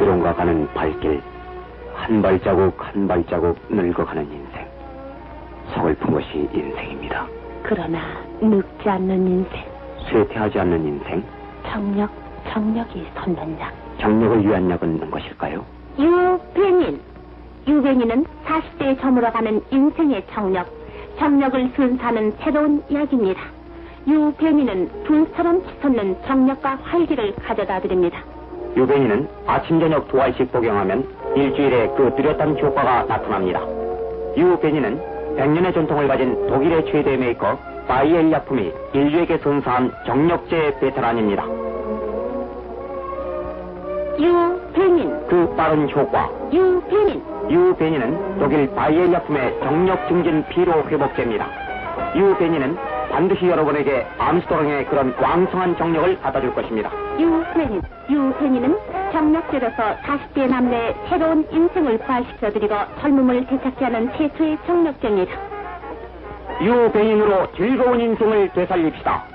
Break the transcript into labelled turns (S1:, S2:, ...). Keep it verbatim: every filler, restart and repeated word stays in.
S1: 어디론가 가는 발길, 한 발자국 한 발자국 늙어가는 인생. 서글픈 것이 인생입니다.
S2: 그러나 늙지 않는 인생.
S1: 쇠퇴하지 않는 인생.
S2: 정력, 정력이 솟는 약.
S1: 정력을 위한 약은 것일까요?
S2: 유배닌. 유배닌은 사십 대에 저물어가는 인생의 정력, 정력을 순사하는 새로운 약입니다. 유배닌은 불처럼 치솟는 정력과 활기를 가져다 드립니다.
S1: 유배닌은 아침 저녁 두 알씩 복용하면 일주일에 그 뚜렷한 효과가 나타납니다. 유배닌은 백 년의 전통을 가진 독일의 최대 메이커 바이엘 약품이 인류에게 선사한 정력제 베테랑입니다.
S2: 유배닌.
S1: 그 빠른 효과.
S2: 유배닌.
S1: 유배닌은 독일 바이엘 약품의 정력 증진 피로 회복제입니다. 유배닌은 반드시 여러분에게 암스토롱의 그런 왕성한 정력을 갖다줄 것입니다.
S2: 유배닌. 유배닌은 정력제로서 사십 대 남녀의 새로운 인생을 부활시켜드리고 젊음을 되찾게 하는 최초의 정력제입니다.
S1: 유배닌으로 즐거운 인생을 되살립시다.